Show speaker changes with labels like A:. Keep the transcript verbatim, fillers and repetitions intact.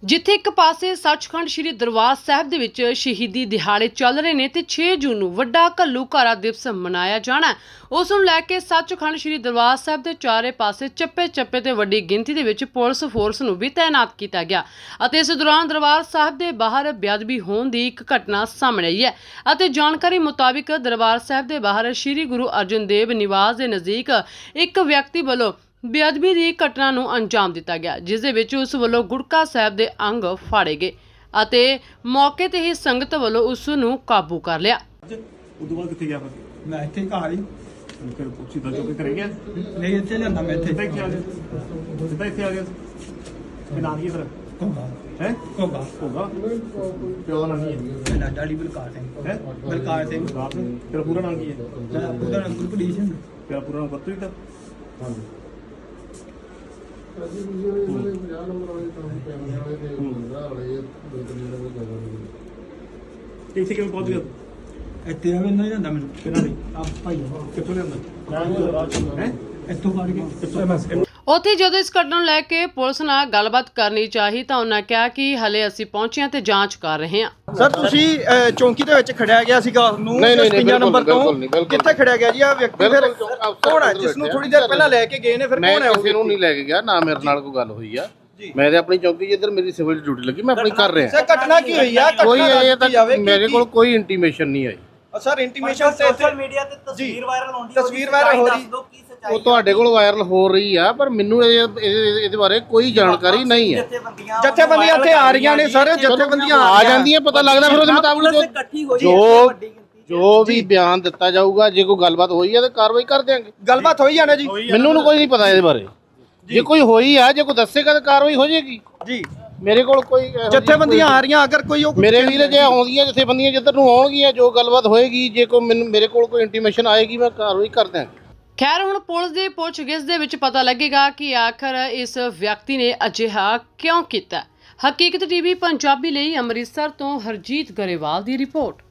A: ਜਿੱਥੇ ਇੱਕ ਪਾਸੇ ਸੱਚਖੰਡ ਸ੍ਰੀ ਦਰਬਾਰ ਸਾਹਿਬ ਦੇ ਵਿੱਚ ਸ਼ਹੀਦੀ ਦਿਹਾੜੇ ਚੱਲ ਰਹੇ ਨੇ ਤੇ ਛੇ ਜੂਨ ਨੂੰ ਵੱਡਾ ਘੱਲੂਘਾਰਾ ਦਿਵਸ ਮਨਾਇਆ ਜਾਣਾ, ਉਸ ਨੂੰ ਲੈ ਕੇ ਸੱਚਖੰਡ ਸ੍ਰੀ ਦਰਬਾਰ ਸਾਹਿਬ ਦੇ ਚਾਰੇ ਪਾਸੇ ਚੱਪੇ ਚੱਪੇ ਤੇ ਵੱਡੀ ਗਿਣਤੀ ਦੇ ਵਿੱਚ ਪੁਲਿਸ ਫੋਰਸ ਨੂੰ ਵੀ ਤਾਇਨਾਤ ਕੀਤਾ ਗਿਆ ਅਤੇ ਇਸ ਦੌਰਾਨ ਦਰਬਾਰ ਸਾਹਿਬ ਦੇ ਬਾਹਰ ਬੇਅਦਬੀ ਹੋਣ ਦੀ ਇੱਕ ਘਟਨਾ ਸਾਹਮਣੇ ਆਈ ਹੈ ਅਤੇ ਜਾਣਕਾਰੀ ਮੁਤਾਬਿਕ ਦਰਬਾਰ ਸਾਹਿਬ ਦੇ ਬਾਹਰ ਸ੍ਰੀ ਗੁਰੂ ਅਰਜਨ ਦੇਵ ਨਿਵਾਸ ਦੇ ਨਜ਼ਦੀਕ ਇੱਕ ਵਿਅਕਤੀ ਵੱਲੋਂ ਬੇਅਦਬੀ ਦੀ ਘਟਨਾ ਨੂੰ ਅੰਜਾਮ ਦਿੱਤਾ ਗਿਆ, ਜਿਸ ਦੇ ਵਿੱਚ ਉਸ ਵੱਲੋਂ ਗੁਟਕਾ ਸਾਹਿਬ ਦੇ ਅੰਗ ਫਾੜੇ ਗਏ ਅਤੇ ਮੌਕੇ ਤੇ ਹੀ ਸੰਗਤ ਵੱਲੋਂ ਉਸ ਨੂੰ ਕਾਬੂ ਕਰ ਲਿਆ।
B: ਉਦੋਂ ਬਾਅਦ ਕਿੱਥੇ ਗਿਆ ਫਿਰ?
C: ਮੈਂ ਇੱਥੇ ਘਰ ਹੀ
B: ਫਿਰ ਪੁੱਛੀ ਦਾ ਚੁੱਕ ਕਰੇ ਗਿਆ?
C: ਨਹੀਂ ਇੱਥੇ ਲਿਆਂਦਾ ਮੈਂ ਇੱਥੇ
B: ਇੱਥੇ ਆ ਗਿਆ ਸਿੱਧਾ ਇੱਥੇ ਆ ਗਿਆ ਕਿ ਨਾਮ ਕੀ ਫਿਰ
C: ਕੋਗਾ
B: ਹੈ
C: ਕੋਗਾ
B: ਹੋਗਾ ਪਿਓ ਦਾ ਨਾਮ ਕੀ ਹੈ?
C: ਮੇਰਾ ਡਾਡੀ ਬਲਕਾਰ ਸਿੰਘ
B: ਹੈ
C: ਬਲਕਾਰ ਸਿੰਘ
B: ਬਾਪ ਨੇ ਤੇਰਾ ਪੂਰਾ ਨਾਮ ਕੀ ਹੈ?
C: ਮੇਰਾ ਉਹਦਾ ਨਾਮ ਗੁਰਪ੍ਰੀਤ ਸਿੰਘ
B: ਤੇਰਾ ਪੂਰਾ ਨਾਮ ਪਤਾ ਹੀ ਤਾਂ ਹਾਂਜੀ ਇੱਥੇ ਕਿਵੇਂ ਪਹੁੰਚ ਗਿਆ?
C: ਇੱਥੇ ਆਵੇ ਨਹੀਂ ਜਾਂਦਾ ਮੈਨੂੰ
B: ਕਿਹਨਾਂ ਦੀ
C: ਆ ਭਾਈ
B: ਕਿੱਥੋਂ ਲਿਆਂਦਾ ਹੈ?
C: ਇੱਥੋਂ ਫੜ ਕੇ
B: ਕਿੱਥੋਂ?
A: ਉੱਥੇ ਜਦੋਂ ਇਸ ਘਟਨਾ ਨੂੰ ਲੈ ਕੇ ਪੁਲਿਸ ਨਾਲ ਗੱਲਬਾਤ ਕਰਨੀ ਚਾਹੀ ਤਾਂ ਉਹਨਾਂ ਕਿਹਾ ਕਿ ਹਲੇ ਅਸੀਂ ਪਹੁੰਚੇ ਹਾਂ ਤੇ ਜਾਂਚ ਕਰ ਰਹੇ ਹਾਂ।
D: ਸਰ ਤੁਸੀਂ ਅਹ, ਚੌਂਕੀ ਦੇ ਵਿੱਚ ਖੜਿਆ ਗਿਆ ਸੀਗਾ ਨੂੰ
E: ਨਹੀਂ, ਨਹੀਂ,
D: ਪੰਜਾਹ ਨੰਬਰ
E: ਬਿਲਕੁਲ
D: ਤੋਂ
E: ਨਹੀਂ, ਬਿਲਕੁਲ
D: ਕਿੱਥੇ ਖੜਿਆ ਗਿਆ ਜੀ ਆ ਵਿਅਕਤੀ ਫਿਰ
E: ਬਿਲਕੁਲ ਚੌਂਕ ਅਫਸਰ
D: ਕੌਣ ਹੈ
E: ਕੋਲ
D: ਜਿਸ ਨੂੰ
E: ਬੈਠੇ
D: ਥੋੜੀ ਦੇਰ ਪਹਿਲਾਂ ਲੈ ਕੇ ਗਏ ਨੇ ਫਿਰ
E: ਮੈਂ
D: ਕੌਣ ਹੈ ਉਹ
E: ਕਿਸੇ ਨੂੰ ਨਹੀਂ ਲੈ ਕੇ ਗਿਆ ਨਾ, ਮੇਰੇ ਨਾਲ ਕੋਈ ਗੱਲ ਹੋਈ ਆ। ਮੈਂ ਤੇ ਆਪਣੀ ਚੌਂਕੀ ਜਿੱਧਰ ਮੇਰੀ ਸਿਵਲ ਡਿਊਟੀ ਲੱਗੀ ਮੈਂ ਆਪਣੀ ਕਰ ਰਿਹਾ।
D: ਸਰ ਘਟਨਾ ਕੀ ਹੋਈ ਆ
E: ਕੋਈ
D: ਘਟਨਾ
E: ਇਹ
D: ਦੱਸੀ
E: ਤੱਕ
D: ਜਾਵੇ
E: ਮੇਰੇ ਕੋਲ ਕੋਈ ਇੰਟੀਮੇਸ਼ਨ ਨਹੀਂ ਆਈ।
D: ਸਰ ਇੰਟੀਮੇਸ਼ਨ ਤੇ
F: ਸੋਸ਼ਲ ਮੀਡੀਆ ਤੇ ਤਸਵੀਰ ਵਾਇਰਲ ਹੁੰਦੀ ਹੈ,
D: ਤਸਵੀਰ ਵਾਇਰਲ ਹੋ ਰਹੀ
E: ਉਹ ਤੁਹਾਡੇ ਕੋਲ ਵਾਇਰਲ ਹੋ ਰਹੀ ਆ ਪਰ ਮੈਨੂੰ ਇਹ- ਇਹਦੇ ਇਹਦੇ ਬਾਰੇ ਕੋਈ ਜਾਣਕਾਰੀ ਨਹੀਂ ਹੈ।
D: ਜਥੇਬੰਦੀਆਂ ਇੱਥੇ ਆ ਰਹੀਆਂ ਨੇ ਸਰ ਜਥੇਬੰਦੀਆਂ
E: ਆ ਜਾਂਦੀਆਂ ਪਤਾ ਲੱਗਦਾ ਫਿਰ ਉਹਦੇ ਮੁਤਾਬਕ ਜੋ ਜੋ ਜੋ ਵੀ ਬਿਆਨ ਦਿੱਤਾ ਜਾਊਗਾ ਜੇ ਕੋਈ ਗੱਲਬਾਤ ਹੋਈ ਹੈ ਤਾਂ ਕਾਰਵਾਈ ਕਰ ਦਿਆਂਗੇ।
D: ਗੱਲਬਾਤ ਹੋਈ ਜਾਣਾ ਜੀ
E: ਮੈਨੂੰ ਨੂੰ ਕੋਈ ਨਹੀਂ ਪਤਾ ਇਹਦੇ ਬਾਰੇ। ਜੇ ਕੋਈ ਹੋਈ ਆ ਜੇ ਕੋਈ ਦੱਸੇਗਾ ਤਾਂ ਕਾਰਵਾਈ ਹੋ ਜਾਏਗੀ।
D: ਜੀ
E: ਮੇਰੇ ਕੋਲ ਕੋਈ ਇਹੋ ਜਿਹੀ
D: ਜਥੇਬੰਦੀਆਂ ਆ ਰਹੀਆਂ ਅਗਰ ਕੋਈ ਉਹ
E: ਮੇਰੇ ਵੀਰ ਜੇ ਆਉਂਦੀਆਂ ਜਥੇਬੰਦੀਆਂ ਜਿੱਧਰ ਨੂੰ ਆਉਣਗੀਆਂ ਜੋ ਗੱਲਬਾਤ ਹੋਏਗੀ ਜੇ ਕੋਈ ਮੈਨੂੰ ਮੇਰੇ ਕੋਲ ਕੋਈ ਇੰਟੀਮੇਸ਼ਨ ਆਏਗੀ ਮੈਂ ਕਾਰਵਾਈ ਕਰ ਦਿਆਂਗਾ।
A: ਖੈਰ ਹੁਣ ਪੁਲਿਸ ਦੀ ਪੁੱਛਗਿੱਛ ਦੇ ਵਿੱਚ ਪਤਾ ਲੱਗੇਗਾ ਕਿ ਆਖਰ ਇਸ ਵਿਅਕਤੀ ਨੇ ਅਜਿਹਾ ਕਿਉਂ ਕੀਤਾ। ਹਕੀਕਤ ਟੀਵੀ ਪੰਜਾਬੀ ਲਈ ਅੰਮ੍ਰਿਤਸਰ ਤੋਂ ਹਰਜੀਤ ਗਰੇਵਾਲ ਦੀ ਰਿਪੋਰਟ।